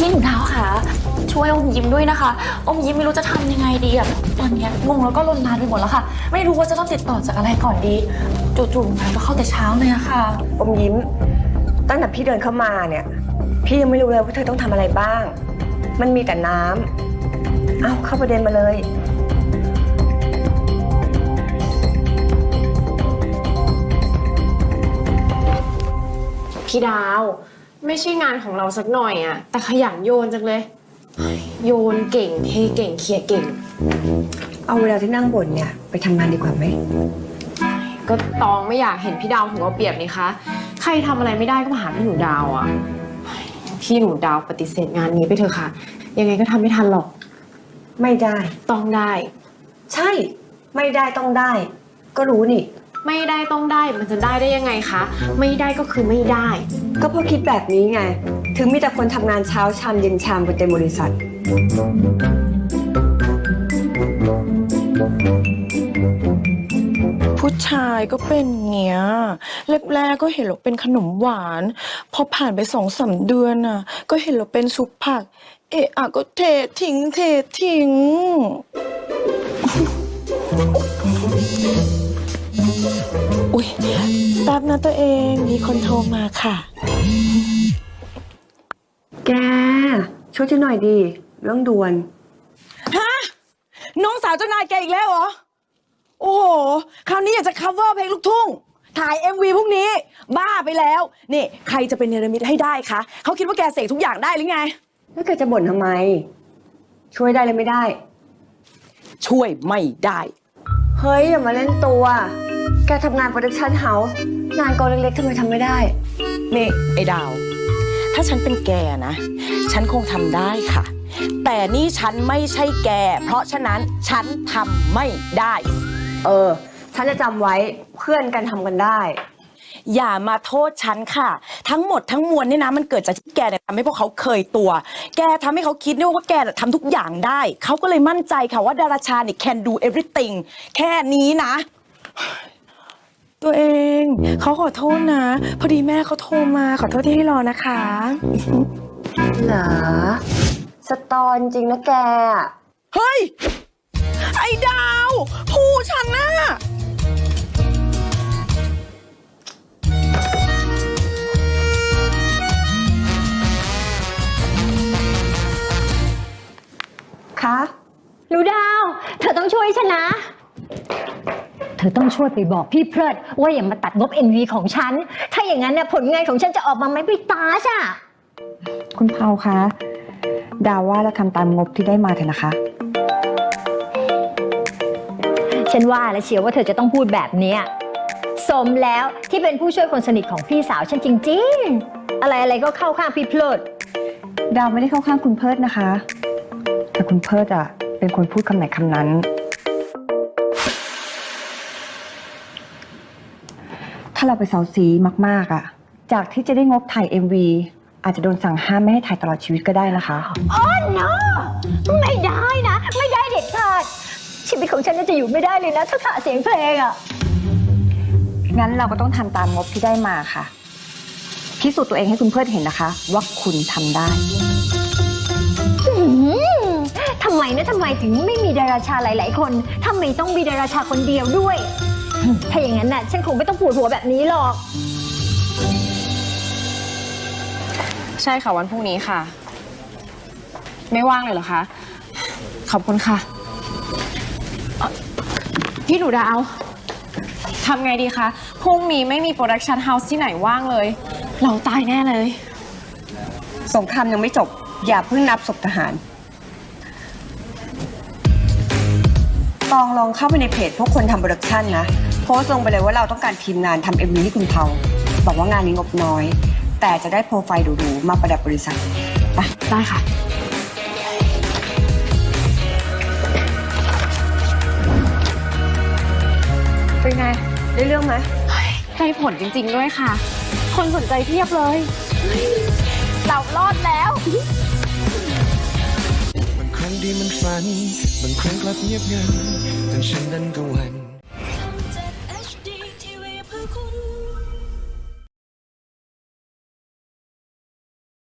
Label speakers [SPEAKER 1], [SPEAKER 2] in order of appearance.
[SPEAKER 1] พี่หนูดาวค่ะช่วยอมยิ้มด้วยนะคะอมยิ้มไม่รู้จะทำยังไงดีอะตอนนี้งงแล้วก็ลนลานไปหมดแล้วค่ะไม่รู้ว่าจะต้องติดต่อจากอะไรก่อนดีจู่ๆงานก็เข้าแต่เช้าเลยอะค่ะ
[SPEAKER 2] อมยิ้มตั้งแต่พี่เดินเข้ามาเนี่ยพี่ยังไม่รู้เลยว่าเธอต้องทำอะไรบ้างมันมีแต่น้ำเข้าประเด็นมาเลย
[SPEAKER 3] พี่ดาวไม่ใช่งานของเราสักหน่อยอะแต่ขยันโยนจังเลยโยนเก่งเทเก่งเคลียร์เก่ง
[SPEAKER 2] เอาเวลาที่นั่งบ่นเนี่ยไปทำงานดีกว่าไหม
[SPEAKER 3] ก็ตองไม่อยากเห็นพี่ดาวถูกเอาเปรียบนี่คะใครทำอะไรไม่ได้ก็มาหาพี่หนูดาวอะพี่หนูดาวปฏิเสธงานนี้ไปเถอะค่ะยังไงก็ทำไม่ทันหรอก
[SPEAKER 2] ไม่ได้
[SPEAKER 3] ต้องได้
[SPEAKER 2] ใช่ไม่ได้ต้องได้ก็รู้นี่
[SPEAKER 3] ไม่ได้ต้องได้มันจะได้ยังไงคะไม่ได้ก็คือไม่ได้
[SPEAKER 2] ก็เพราะคิดแบบนี้ไงถึงมีแต่คนทำงานเช้าชามเย็นชามกันเต็มบริษัท
[SPEAKER 4] ผู้ชายก็เป็นเงี้ยแรกๆก็เห็นเราเป็นขนมหวานพอผ่านไป2-3 เดือนน่ะก็เห็นเราเป็นซุปผักก็เททิ้งอุ๊ยแป๊บนะตัวเองมีคนโทรมาค่ะ
[SPEAKER 2] แกช่วยฉันหน่อยดีเรื่องด่วน
[SPEAKER 4] ฮะน้องสาวเจ้านายแกอีกแล้วเหรอโอ้โหคราวนี้อยากจะ cover เพลงลูกทุ่งถ่าย MV พวกนี้บ้าไปแล้วนี่ใครจะเป็นเนรมิตให้ได้คะเขาคิดว่าแกเสกทุกอย่างได้หรือไง
[SPEAKER 2] แล้วแกจะบ่นทำไมช่วยได้เลยไม่ได้
[SPEAKER 4] ช่วยไม่ได้
[SPEAKER 2] เฮ้ยอย่ามาเล่นตัวแกทำงานโปรดักชั่นเฮาส์งานกองเล็กๆทำไมทำไม่ได้
[SPEAKER 4] นี่ไอ้ดาวถ้าฉันเป็นแกนะฉันคงทำได้ค่ะแต่นี่ฉันไม่ใช่แกเพราะฉะนั้นฉันทำไม่ได้
[SPEAKER 2] ฉันจะจำไว้เพื่อนกันทำกันได้
[SPEAKER 4] อย่ามาโทษฉันค่ะทั้งหมดทั้งมวลเนี่ยนะมันเกิดจากที่แกเนี่ยทำให้พวกเขาเคยตัวแกทำให้เขาคิดว่าแกทำทุกอย่างได้เขาก็เลยมั่นใจค่ะว่าดาราชาเนี่ย can do everything แค่นี้นะตัวเองเขาขอโทษนะพอดีแม่เขาโทรมาขอโทษที่ให้รอนะคะ
[SPEAKER 2] เหรอสตอนจริงนะแก
[SPEAKER 4] เฮ้ยไอ้ดาวผู้ฉันน่ะ
[SPEAKER 2] คะ
[SPEAKER 5] หนูดาวเธอต้องช่วยฉันนะเธอต้องช่วยไปบอกพี่เพลิดว่าอย่ามาตัดงบ NV ของฉันถ้าอย่างนั้นเนี่ยผลงานของฉันจะออกมาไม่ตาช่ะ
[SPEAKER 6] คุณเผาคะดาวว่าเราทำตามงบที่ได้มาเถอะนะคะ
[SPEAKER 5] ฉันว่าแล้วเชียวว่าเธอจะต้องพูดแบบนี้สมแล้วที่เป็นผู้ช่วยคนสนิทของพี่สาวฉันจริงๆอะไรก็เข้าข้างพี่เพลิด
[SPEAKER 6] ดาวไม่ได้เข้าข้างคุณเพิร์ดนะคะแต่คุณเพิร์ดเป็นคนพูดคำไหนคำนั้นถ้าเราไปเซาซีมากๆจากที่จะได้งบถ่าย MV อาจจะโดนสั่งห้ามไม่ให้ถ่ายตลอดชีวิตก็ได้นะคะ
[SPEAKER 5] อ๋อ no ไม่ได้นะไม่ได้เด็ดขาดชีวิตของฉันจะอยู่ไม่ได้เลยนะถ้าขาดเสียงเพลง
[SPEAKER 6] งั้นเราก็ต้องทำตามงบที่ได้มาค่ะพิสูจน์ตัวเองให้คุณเพิร์ดเห็นนะคะว่าคุณทำได้
[SPEAKER 5] ทำไมถึงไม่มีดาราชาหลายๆคนทำไมต้องมีดาราชาคนเดียวด้วยถ้าอย่างนั้นน่ะฉันคงไม่ต้องปวดหัวแบบนี้หรอก
[SPEAKER 3] ใช่ค่ะวันพรุ่งนี้ค่ะไม่ว่างเลยเหรอคะขอบคุณค่ะพี่หนูดาวทำไงดีคะพรุ่งนี้ไม่มีโปรดักชันเฮาส์ที่ไหนว่างเลยเราตายแน่เลย
[SPEAKER 2] สงครามยังไม่จบอย่าเพิ่งนับศพทหารลองเข้าไปในเพจพวกคนทำโปรดักชันนะโพสต์ลงไปเลยว่าเราต้องการทีมงานทำ MV ให้คุณเผาบอกว่างานนี้งบน้อยแต่จะได้โปรไฟล์ดูๆมาประดับบริษัทไป
[SPEAKER 3] ได้ค่ะ
[SPEAKER 2] เป็นไงได้เรื่องไหม
[SPEAKER 3] ได้ผลจริงๆด้วยค่ะคนสนใจเพียบเลยเรารอดแล้ว
[SPEAKER 7] บางครั้งที่มันฝันบางครั้งกลับเงียบงันจนฉันนั้นก็หวั่น